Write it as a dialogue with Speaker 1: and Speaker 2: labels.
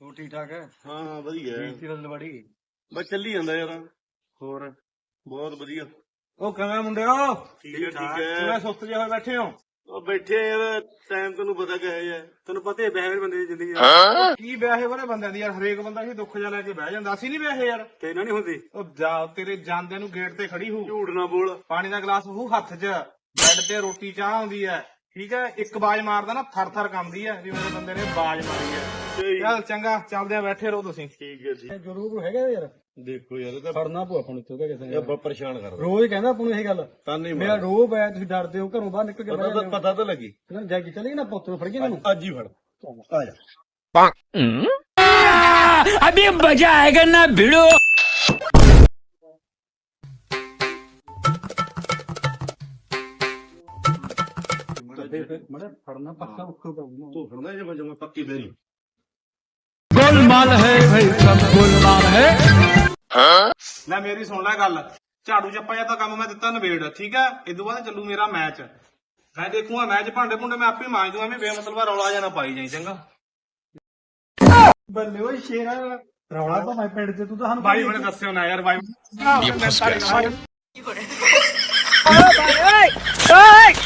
Speaker 1: ਹੋ ਠੀਕ ਠਾਕ ਹੈ?
Speaker 2: ਹਾਂ ਵਧੀਆ
Speaker 1: ਬੀਤੀ ਰਲਵੜੀ
Speaker 2: ਬਸ ਚੱਲੀ ਜਾਂਦਾ ਯਾਰ।
Speaker 1: ਹੋਰ
Speaker 2: ਬਹੁਤ ਵਧੀਆ।
Speaker 1: ਉਹ ਕਿਵੇਂ ਮੁੰਡਿਓ?
Speaker 2: ਠੀਕ ਹੈ ਠੀਕ
Speaker 1: ਕਿਵੇਂ
Speaker 2: ਹੈ।
Speaker 1: ਸੁਸਤ ਜਿਹੇ ਹੋਏ ਬੈਠੇ ਹੋ?
Speaker 2: ਉਹ ਬੈਠੇ ਆ ਯਾਰ, ਟਾਈਮ ਤੈਨੂੰ ਪਤਾ ਕਿਹੋ ਜਿਹਾ।
Speaker 1: ਤੈਨੂੰ ਪਤਾ ਹੀ ਬਹਿ ਬੰਦੇ ਦੀ ਜ਼ਿੰਦਗੀ ਦਾ ਕੀ ਵਿਆਹੇ ਵਾਲੇ ਬੰਦਿਆਂ ਦੀ ਯਾਰ। ਹਰੇਕ ਬੰਦਾ ਹੀ ਦੁੱਖ ਜਿਹਾ ਲੈ ਕੇ ਬਹਿ ਜਾਂਦਾ। ਅਸੀਂ ਨਹੀਂ ਵਿਆਹੇ ਯਾਰ।
Speaker 2: ਤੇ ਨਾ ਨਹੀਂ ਹੁੰਦੀ।
Speaker 1: ਉਹ ਜਾ ਤੇਰੇ ਜਾਂਦਿਆਂ ਨੂੰ ਗੇਟ ਤੇ ਖੜੀ ਹੋ,
Speaker 2: ਝੂਠ ਨਾ ਬੋਲ।
Speaker 1: ਪਾਣੀ ਦਾ ਗਲਾਸ ਹੋਊ ਹੱਥ 'ਚ, ਬੈੱਡ ਤੇ ਰੋਟੀ ਚਾਹ ਆਉਂਦੀ ਹੈ, ਠੀਕ ਹੈ। ਇੱਕ ਬਾਜ ਮਾਰਦਾ ਨਾ ਥਰ ਥਰ ਕੰਬਦੀ ਹੈ ਵੀ ਮੇਰੇ ਬੰਦੇ ਨੇ ਬਾਜ ਮਾਰੀ ਹੈ। ਚੱਲ ਚੰਗਾ, ਚੱਲਦੇ ਆ, ਬੈਠੇ ਰਹੋ ਤੁਸੀਂ।
Speaker 2: ਠੀਕ ਹੈ ਠੀਕ।
Speaker 1: ਜ਼ਰੂਰ ਹੈਗਾ ਯਾਰ।
Speaker 2: ਦੇਖੋ ਯਾਰ ਇਹ ਤਾਂ
Speaker 1: ਫੜਨਾ ਪਊ ਆਪਾਂ ਨੂੰ ਇੱਥੋਂ ਕਿਸੇ ਨੇ।
Speaker 2: ਬਹੁਤ ਪਰੇਸ਼ਾਨ ਕਰਦਾ।
Speaker 1: ਰੋਜ਼ ਕਹਿੰਦਾ ਆਪਾਂ ਨੂੰ ਇਹ ਗੱਲ।
Speaker 2: ਤਾਂ ਨਹੀਂ
Speaker 1: ਮੇਰਾ ਰੋਬ ਹੈ, ਤੁਸੀਂ ਡਰਦੇ ਹੋ ਘਰੋਂ ਬਾਹਰ ਨਿਕਲ ਕੇ ਬਹਿ ਜਾਂਦੇ ਹੋ।
Speaker 2: ਪਤਾ ਤਾਂ ਲੱਗੀ।
Speaker 1: ਨਾ ਜਾ ਕੇ ਚਲੇ ਨਾ ਪੁੱਤ ਨੂੰ ਫੜ ਕੇ ਮੈਨੂੰ
Speaker 2: ਅੱਜ ਹੀ ਫੜ ਆ ਜਾ।
Speaker 3: अभी मजा आएगा ना भिड़ो।
Speaker 1: ਮੜਾ ਫੜਨਾ ਪੱਕਾ ਉੱਕੋ ਪਾਉਣਾ।
Speaker 2: ਤੂੰ ਫੜਨਾ ਜੇ ਮੈਂ ਪੱਕੀ ਬੇਰੀ।
Speaker 3: गोलमाल है भाई, सब गोलमाल है।
Speaker 1: ਲੈ ਮੇਰੀ ਸੁਣ ਲੈ ਗੱਲ। ਝਾੜੂ ਚੱਪਾ ਜਾਂ ਤਾਂ ਕੰਮ ਮੈਂ ਦਿੱਤਾ ਨਵੇੜ, ਠੀਕ ਹੈ। ਇਦੋਂ ਬਾਅਦ ਚੱਲੂ ਮੇਰਾ ਮੈਚ। ਮੈਂ ਦੇਖੂਗਾ ਮੈਚ, ਭਾਂਡੇ ਭੁੰਡੇ ਮੈਂ ਆਪੇ ਮਾਂਜ ਦੂੰ। ਐਵੇਂ ਬੇਮਤਲਬ ਰੌਲਾ ਜਾਂ ਨਾ ਪਾਈ ਜਾਈ, ਚੰਗਾ। ਬੱਲੇ ਓਏ ਸ਼ੇਰਾ, ਰੌਲਾ ਤਾਂ ਮੈਂ ਪਿੰਡ 'ਚ, ਤੂੰ ਤਾਂ ਸਾਨੂੰ ਬਾਈ ਬਣੇ ਦੱਸਿਓ ਨਾ ਯਾਰ। ਬਾਈ